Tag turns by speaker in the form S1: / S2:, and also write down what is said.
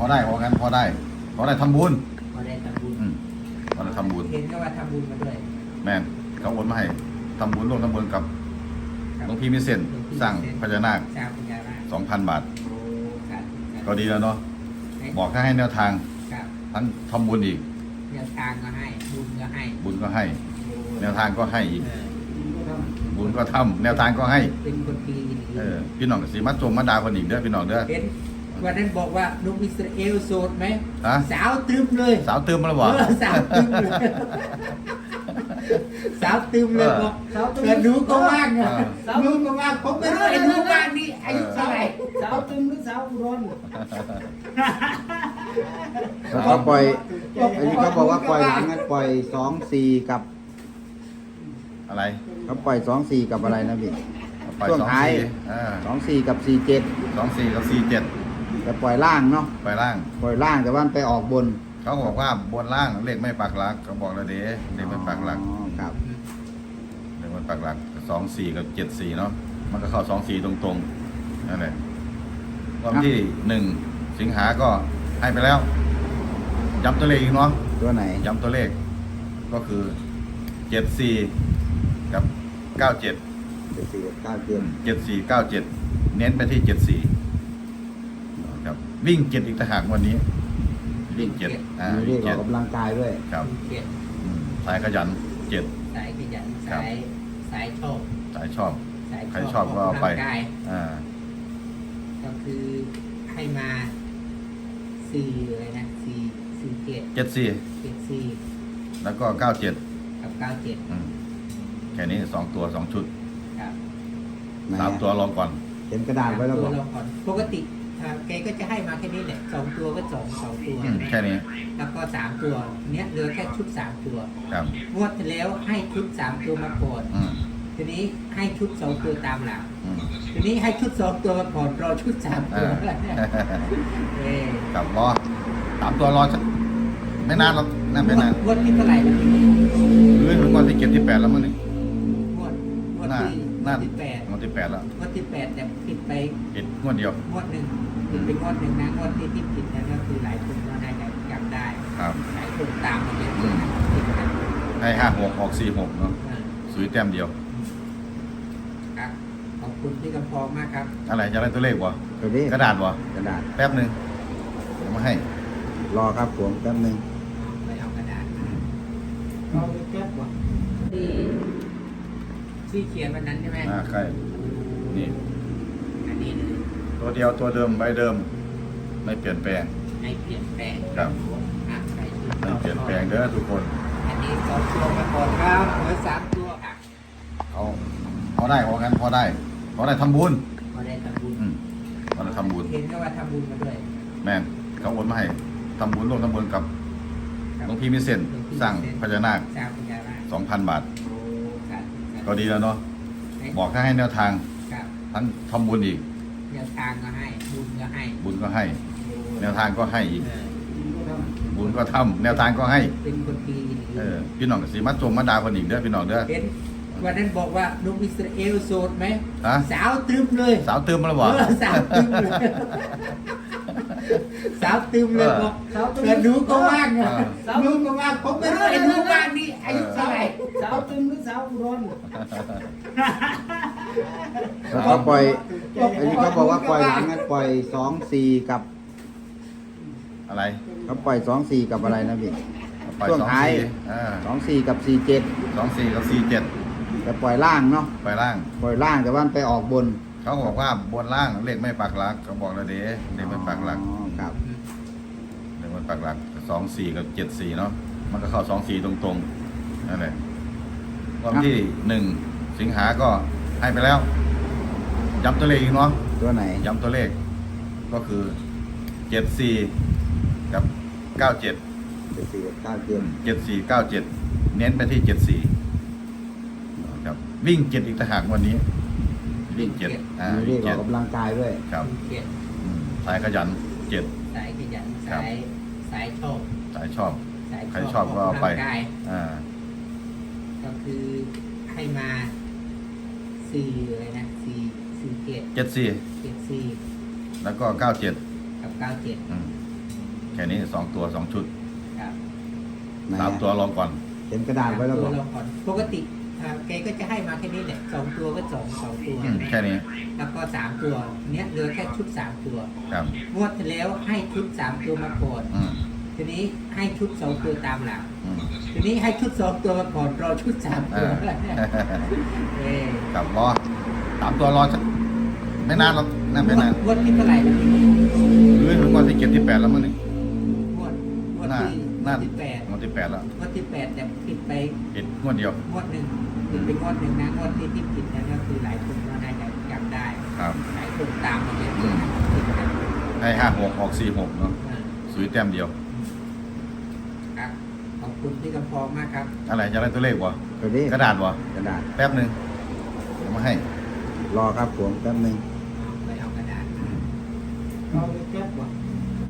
S1: ได้พอกันพอได้ทำบุญ
S2: พอได้ทำบุญ
S1: พอได้ทำบุญ
S2: เห็นก็ว่าทำบุญมาด้วย
S1: แม่นเขาโอนมาให้ทำบุญร่วมทำบุญกับหลวงพี่มิเซนสร้างพญานาค2,000 บาทก็ดีแล้วเนาะบอกให้แนวทางทั้งทำบุญอีก
S2: แนวทางก็ให้บุญก็ให้
S1: แนวทางก็ให้อีกบุญก็ทำแนวทางก็ให้
S2: เป็นคนดี
S1: พี่น้องสีมัดจงมาดาคนอีกเด้อพี่น้องเด้อ
S2: วันนั้นบอกว่านุกอิสราเอลโสดไหมสาวตึมเลย
S1: สาวตึมแล้วบอก
S2: สาวตึมเลยสาวตึมเลยบอกแต่หนูก็ว่างอ่ะหนูก็ว่างผมไม่รู้ไอ้หนูว่างนี่อายุเท่าไหร่
S3: สาวตึมหรือสาวอุดร
S4: เขาปล่อยอันนี้เขาบอกว่าปล่อยหลังนั้นปล่อย2-4กับ
S1: อะไร
S4: เขาปล่อย2-4กับอะไรนะพี่ช่วงท้าย2-4กับ47แต่ปล่อยล่างเนาะ
S1: ปล่อยล่าง
S4: แต่ว่าไปออกบน
S1: เขาบอกว่าบนล่างเลขไม่ปักหลักเขาบอกแล้วเด้เลขไม่ปักหลัก
S4: ครับ
S1: เลขไม่ปักหลัก24กับ74เนาะมันก็เข้า24ตรงๆนั่นแหละวันที่1 สิงหาก็ให้ไปแล้วย้ำตัวเลขอีกเนาะ
S4: ตัวไหน
S1: ย้ำตัวเลขก็คือ74กับ97 74 97เน้นไปที่74ครับวิ่ง7อีกต่างหากวันนี้วิ่ง7
S4: มีออกกำลังกายด้วย
S1: ครับสายขยัน
S2: 7สายขยันสายชอบ
S1: ใครชอบก็เอาไป
S2: ก็คือให้มา4เลยนะ74
S1: แล้วก็97
S2: กับ97
S1: แค่นี้2 ตัว 2 ชุด
S2: ครับ
S1: 3 ตัวลองก่อน
S4: เห็นกระดาษไว้แล้วบอก
S2: ปกติแกก็จะให้มาแค่นี้แหละ2 ตัวก็2 ตัว
S1: แค่นี้
S2: แล้วก็3 ตัวเนี้ยเหลือแค่ชุด3 ตัว
S1: ครับ
S2: งวดที่แล้วให้ชุด3 ตัวมาก่อนทีนี้ให้ชุด2 ตัวตามหลังทีนี้ให้ชุด2 ตัวมาก่อนรอชุด3 ตัว
S1: กับรอ3 ตัวรอไม่นานหรอกนั่นไม่นาน
S2: งวดที่เท่าไหร่แล้ว
S1: ถึงวันที่7 ที่ 8แล้วมั้งนี่
S2: งวดที่8
S1: งวดที่8แล้ว
S2: งวดที่8แต่ผิดไป
S1: งวดเดียว
S2: งวดหนึ่งผิดไปงวดหนึ่งนะงวดที่ผิดนั่นก็คือหลายคนก็น่าจะจำได้หลายคนตามมาเป็น
S1: ให้56 6 4 6เนาะสุยแต้มเดียว
S2: ครับขอบคุณพี่กำพองมากครับ
S1: อะไรจะอะไรตัวเลขวะกระดาษวะแป๊บนึงเดี๋ยวมาให้
S4: รอครับผมแป๊บนึง
S2: ไปเอากระดาษเอาไปแป๊บวะที่เขียนวันนั้นใช่ไหม
S1: ใครนี่
S2: อันนี้
S1: ตัวเดียวตัวเดิมใบเดิมไม่เปลี่ยนแปลงครับไม่เปลี่ยนแปลงเด้อทุกคน
S2: อันนี้2 ตัวมาก่อนครับเหลือ3 ตัวค่ะ
S1: พอได้พอกันพอได้ทำบุญ
S2: พอได้ทำบุญเห็นก็ว่าทำบุญมาด้วย
S1: แม่นเขาโอนมาให้ทำบุญร่วมทำบุญกับหลวงพี่มิเซนสร้างพญานาค2,000 บาทก็ดีแล้วเนาะบอกให้แนวทางทั้งทำบุญอีก
S2: แนวทางก็ให้บุญก็
S1: ให้แนวทางก็ให้อีกบุญก็ทำแนวทางก็ให้
S2: เป็นคนดี
S1: พี่น้องสีมัดจงมาดาคนอีกเด้อพี่น้องเด้อ
S2: วันนั้นบอกว่านุกอิสราเอลโสดไหมสาวตึมเลย
S1: สาวตึมแล้วบอก
S2: สาวตึมเลยสาวตึมเลยบอกแต่หนูก็ว่างอ่ะหนูก็ว่างผมไม่รู้ไอ้หนูว่างนี่อายุเท่าไหร่
S3: สาวตึมหรือสาวอุดร
S4: เขาปล่อยอันนี้เขาบอกว่าปล่อยหลังนั้นปล่อย2-4กับ
S1: อะไร
S4: เขาปล่อย2-4กับอะไรนะพี่ช่วงท้าย2-4กับ47แต่ปล่อยล่างเนาะ
S1: ปล่อยล่
S4: างแต่ว่าไปออกบน
S1: เขาบอกว่าบนล่างเลขไม่ปักหลักเขาบอกแล้วเด้เลขไม่ปักหลัก
S4: ครับ
S1: เลขไม่ปักหลัก24กับ74เนาะมันก็เข้า24ตรงๆนั่นแหละวันที่1 สิงหาก็ให้ไปแล้วย้ำตัวเลขอีกเนาะ
S4: ตัวไหน
S1: ย้ำตัวเลขก็คือ74กับ97 74 97เน้นไปที่74ครับวิ่ง7อีกต่างหากวันนี้วิ่ง7
S4: มีออกกำลังกายด้วย
S1: ครับสายขยัน
S2: สายขยันสายชอบ
S1: ใครชอบก็เอาไป
S2: ก็คือให้มา4เลยนะ74
S1: แล้วก็97
S2: กับ97
S1: แค่นี้สองตัวสองชุด
S2: ครับ
S4: ไหน
S1: สามตัวลองก่อน
S4: เขียนกระดาษไว้แล้ว
S2: ตั
S4: บ
S2: ว
S4: อก
S2: เราก่อนปกติแกก็จะให้มาแค่นี้แหละสองตัวก็สองตัว
S1: แค่นี้
S2: แล้วก็สามตัวเนี้ยเหลือแค่ชุดสามตัว
S1: ครับ
S2: งวดที่แล้วให้ชุดสามตัวมาก่อน
S1: อืม
S2: ทีนี้ให้ชุดสองตัวตามหลัง
S1: อืม
S2: ทีนี้ให้ชุดสองตัวมาก่อนรอชุดสามตัว เออ
S1: ครับรอสามตัวรอสักไม่นานหรอกนั่นไม่นาน
S2: งวดที่เท่าไหร่แล้วนี่
S1: หรือถึงวันที่7ที่8แล้วมั้งนี่
S2: งวด
S1: น่า
S2: ที่
S1: น่า
S2: ที่แปด
S1: วันที่8แล้ว
S2: งวดที่แปดแต่ผิดไป
S1: ผิดงวดเดียว
S2: งวดหนึ่งผิดไปงวดหนึ่งนะงวดที่ผิดนั่นก็คือหลายคนก็น่าจะจำได้
S1: ครับ
S2: หลายคนตามมาเป็นผิดกัน
S1: ให้56ออก46เนาะสุยแต้มเดียว
S2: ครับขอบคุณพี่กำพองมากครับ
S1: อะไรจะอะไรตัวเลขวะ
S4: ตัวนี้
S1: กระดาษวะ
S4: กระดาษ
S1: แป๊บหนึงเดี๋ยวมาให้
S4: รอครับผมแป๊บนึง
S2: ไปเอากระดาษ
S3: เอาไปแก้